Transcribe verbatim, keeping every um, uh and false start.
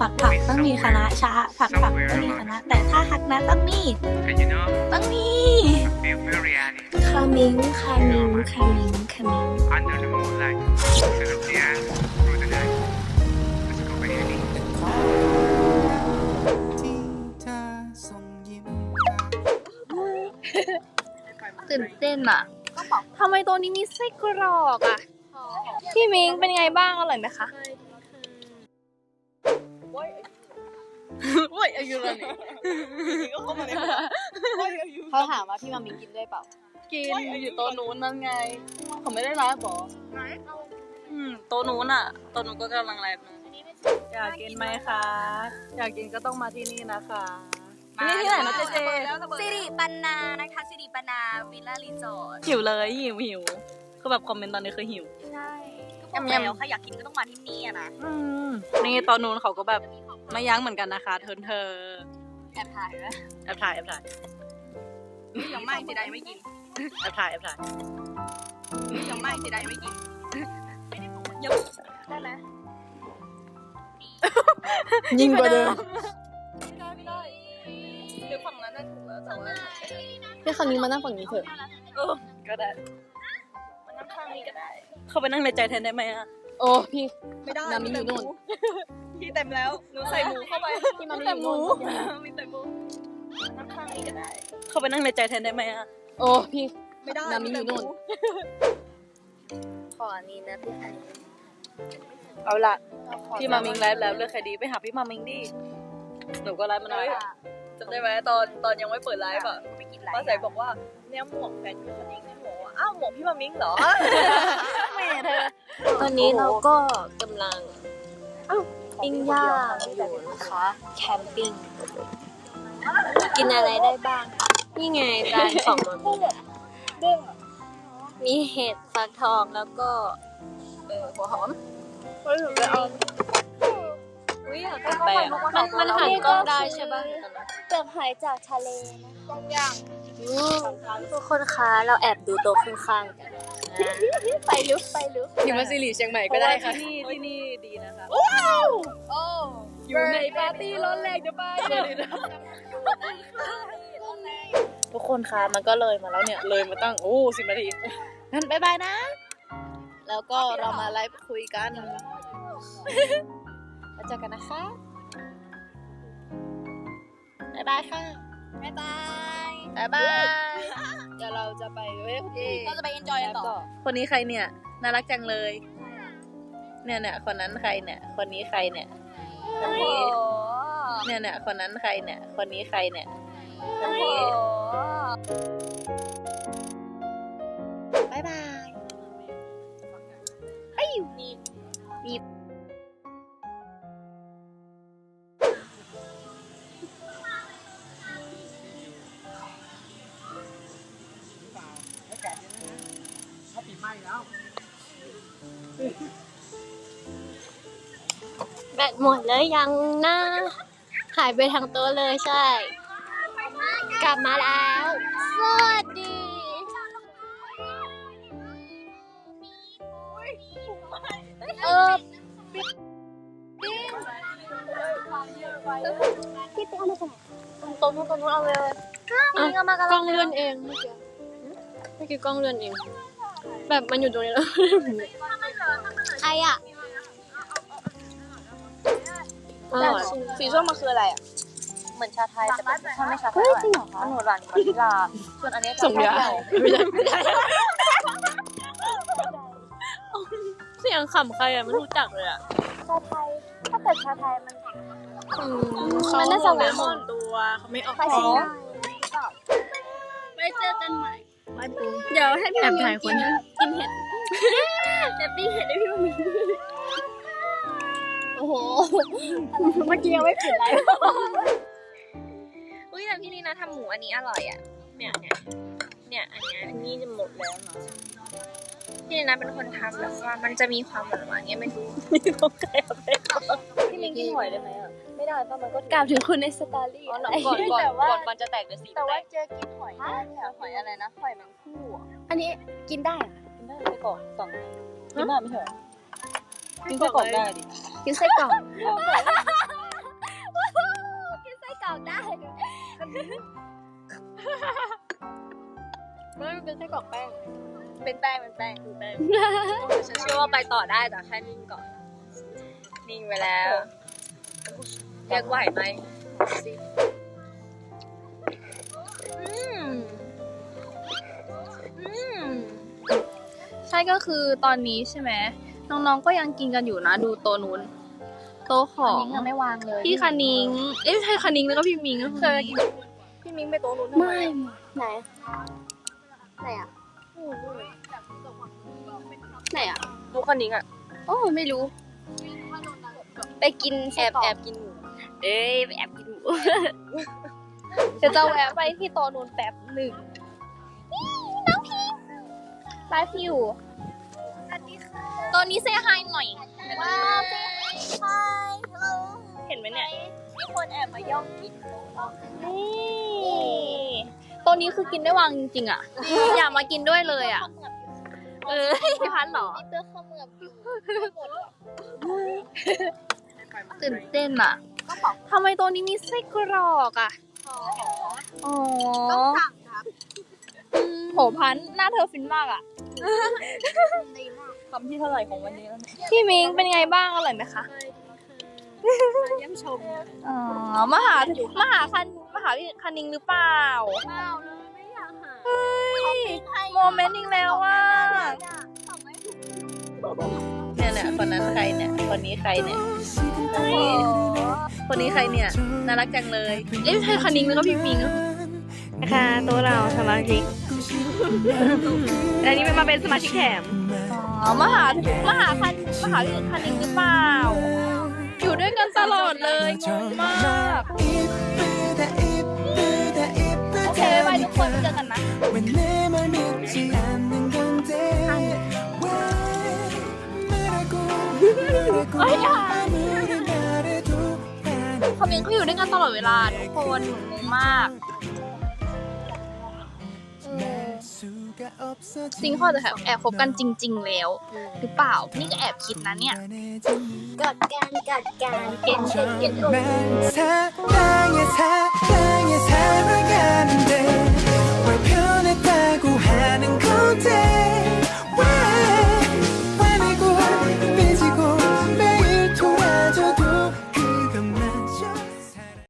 กผักต้องมีคณะชาผักผักต้องมีคณะแต่ถ้าฮักนะต้องมีต้องมีคามิงคามิงคามิงคามิง Under the moonlight, instead of the air, through the night. Let's go, baby. ตื่นเต้นอะทำไมตัวนี้มีไส้กรอกอะพี่มิงเป็นไงบ้างอร่อยไหมคะโอ้ยอายุแล้วนี่เขาถามว่าพี่มามิงกินด้วยเปล่ากินอยู่โต๊ะนู้นนั่นไงเขาไม่ได้ไลฟ์หรออืมโต๊ะนู้นอะโต๊ะนู้นก็กำลังไลฟ์นะอยากกินไหมคะอยากกินก็ต้องมาที่นี่นะคะนี่ที่ไหนนะเจเจสิริปันนานะคะสิริปันนาวิลล่ารีสอร์ทหิวเลยหิวหิวคือแบบคอมเมนต์ตอนนี้คือหิวใช่ก็บอกแล้วค่ะอยากกินก็ต้องมาที่นี่อะนะนี่ตอนนู้นเขาก็แบบไม่ยั้งเหมือนกันนะคะเธอเธอแอบถ่ายไหมแอบถ่ายแอบถ่ายยังไม่จะได้ไม่กินแอบถ่ายแอบถ่ายยังไม่จะได้ไม่กินยังได้ไหมยิ่งกว่าเดิมเดี๋ยวฝั่งนั้นได้ถูกแล้วแต่ว่าให้คามิงมานั่งฝั่งนี้เถอะเออก็ได้มานั่งข้างนี้ก็ได้เข้าไปนั่งในใจแทนได้ไหมอะโอ้พี่ไม่ได้นามิอยู่นู่นพี่เต็มแล้วหนูใส่หมูเข้าไปพี่มามิแต่อยู่หมูนู่นมีแต่หมูนั่งข้างนี้ก็ได้ เข้าไปนั่งในใจแทนได้ไหมอะโอ้พี่ไม่ได้นามิอยู่นู่นขออันนี้นะพี่ไข่เอาละพี่มามิงไลฟ์แล้วเลือกใครดีไปหาพี่มามิงดิหนูก็ไลฟ์มานานจำได้ไหมตอนตอนยังไม่เปิดไลฟ์อ่ะป้าใสบอกว่าเนี่ยหมวกแฟนพี่คนนี้เนี่ยหมวกอ้าวหมวกพี่มามิงเหรอแม่เธอตอนนี้เราก็กำลังปิ้งย่างอยู่นะคะแคมปิ้งกินอะไรได้บ้างนี่ไงจานของมันมีเห็ดฟักทองแล้วก็เออหัวหอมเฮ้ยหนูจะเอาอุ้ยอยากไปอ่ะมันมันหันกล้องได้ใช่ป่ะเปลือกหอยจากทะเลนะต้มย่างทุกคนคะเราแอบดูโต๊ะข้างๆกันไปลึกไปลึกพิมพ์ซีรีเชียงใหม่ก็ได้ค่ะที่นี่ที่นี่ดีนะคะว้าวโอ้อยู่ในปาร์ตี้ร้อนแรงจะไปทุกคนคะมันก็เลยมาแล้วเนี่ยเลยมาตั้งโอ้สิบนาทีงั้นบายบายนะ แล้วก็เรามาไลฟ์คุยกันแล้วเจอกันนะคะบายบายค่ะบายบายบายบายเดี๋ยวเราจะไปเว้ยเราจะไปเอนจอยกันต่อคนนี้ใครเนี่ยน่ารักจังเลยเนี่ยเนี่ยคนนั้นใครเนี่ยคนนี้ใครเนี่ยคนนี้เนี่ยเนี่ยคนนั้นใครเนี่ยคนนี้ใครเนี่ยคนนี้บายบายไอ้อยู่นี่มีแบตหมดแล้วยังนะหายไปทางโต๊ะเลยใช่ กลับมาแล้ว สวัสดีเออพี่ไปเอามาจากไหนตรงนู้นตรงนู้นเอาเลยนี่ก็มากล้องเลื่อนเองเมื่อกี้เมื่อกี้กล้องเลื่อนเองแบบมันอยู่ตรงนี้แล้วใครอ่ะสีส้มมันคืออะไรอ่ะเหมือนชาไทยแต่เป็นชาไม่ชาไทยจริงเหรอคะมันหวานวานิลาส่วนอันนี้ส่งยาไม่ได้ไม่ได้เสียงขำใครอ่ะไม่รู้จักเลยอ่ะชาไทยถ้าเกิดชาไทยมันมันน่าจะหวานหมดตัวเขาไม่ออกไปท้องไปเจอกันใหม่เดี๋ยวให้พี่มินกินกินเห็ดแต่ปิ้งเห็ดให้พี่มินโอ้โหเมื่อกี้ยังไม่ปิดไลฟ์อุ้ยแต่พี่นี่นะทำหมูอันนี้อร่อยอ่ะเนี่ยเนี่ยเนี่ยอันเนี้ยอันนี้จะหมดแล้วเนาะพี่นี่นะเป็นคนทำแล้วว่ามันจะมีความหวานหวานเงี้ยไม่รู้พี่มินกินหอยได้ไหมอ่ะไม่ได้เพราะมันก็กล่าวถึงคุณในสตอรี่ก่อนก่อนก่อนมันจะแตกเดี๋ยวสีแต่ว่าเจอกินหอยได้ค่ะหอยอะไรนะหอยแมงคู่อ่ะอันนี้กินได้เหรอกินได้ไปก่อนสองกินได้ไม่ใช่เหรอกินไส้กรอกได้ดิกินไส้กรอกออกได้ไม่เป็นไส้กรอกแป้งเป็นแป้งเป็นแป้งเป็นแป้งฉันเชื่อว่าไปต่อได้แต่แค่นิ่งก่อน นิ่งไปแล้วเรียกไหวไหมอืมอืมใช่ก็คือตอนนี้ใช่ไหมน้องๆก็ยังกินกันอยู่นะดูโตะนู้นโตะของนิ้งยังไม่วางเลยพี่คณิงเอ๊ะใช่คณิงแล้วก็พี่มิงก็คือพี่มิงไปโตะนู้นทำไมไม่ไหนไหนอ่ะไหนอ่ะดูคณิงอ่ะโอ้ไม่รู้ ไปกินแอบแอบกินหมูเอ้ยไปแอบกินหมู เดี๋ยวจะแวะไปที่โตะนู้นแป๊บหนึ่งนี่น้องพิงไลฟ์อยู่ตอนนี้เซฮายหน่อยว้าวเซฮายฮัลโหลเห็นไหมเนี่ยมีคนแอบมาย่องกินนี่ตัวนี้คือกินได้วางจริงๆอ่ะ อยากมากินด้วยเลยอ่ะ เออพี่พันหรอเตอร์ข้าวเมือบอยู่ตื่นเต้นอ่ะทำไมตัวนี้มีไส้กรอกอ่ะอ๋อต้องสั่งครับโหพันหน้าเธอฟินมากอ่ะคำที่เท่าไหร่ของวันนี้แล้วเนี่ยพี่มิงเป็นไงบ้างอร่อยไหมคะเยี่ยมชมอ๋อมาหามหาคันมหาวิทยาลัยคณิงหรือเปล่าเปล่าเลยไม่อยากหาเฮ้ยโมเมนต์อีกแล้วว่ะเนี่ยเนี่ยคนนั้นใครเนี่ยคนนี้ใครเนี่ยคนนี้ใครเนี่ยน่ารักจังเลยเอ๊ะใช่คณิงแล้วก็พี่มิงนะคะตัวเราสมาชิกอันนี้เป็นมาเป็นสมาชิกแถมอ๋อมหามหาคันมหาวิทยาลัยคณิงหรือเปล่า อยู่ด้วยกันตลอดเลยงงมากโอเคบ๊ายบายทุกคนเจอกันนะเฮ้ยอ่ะเขาเมียงเขาอยู่ด้วยกันตลอดเวลาทุกคนงงมากจริงเขาจะแอบคบกันจริงๆแล้วหรือเปล่านี่ก็แอบคิดนะเนี่ยกัดการกัดการเก่งเก่งเก่ง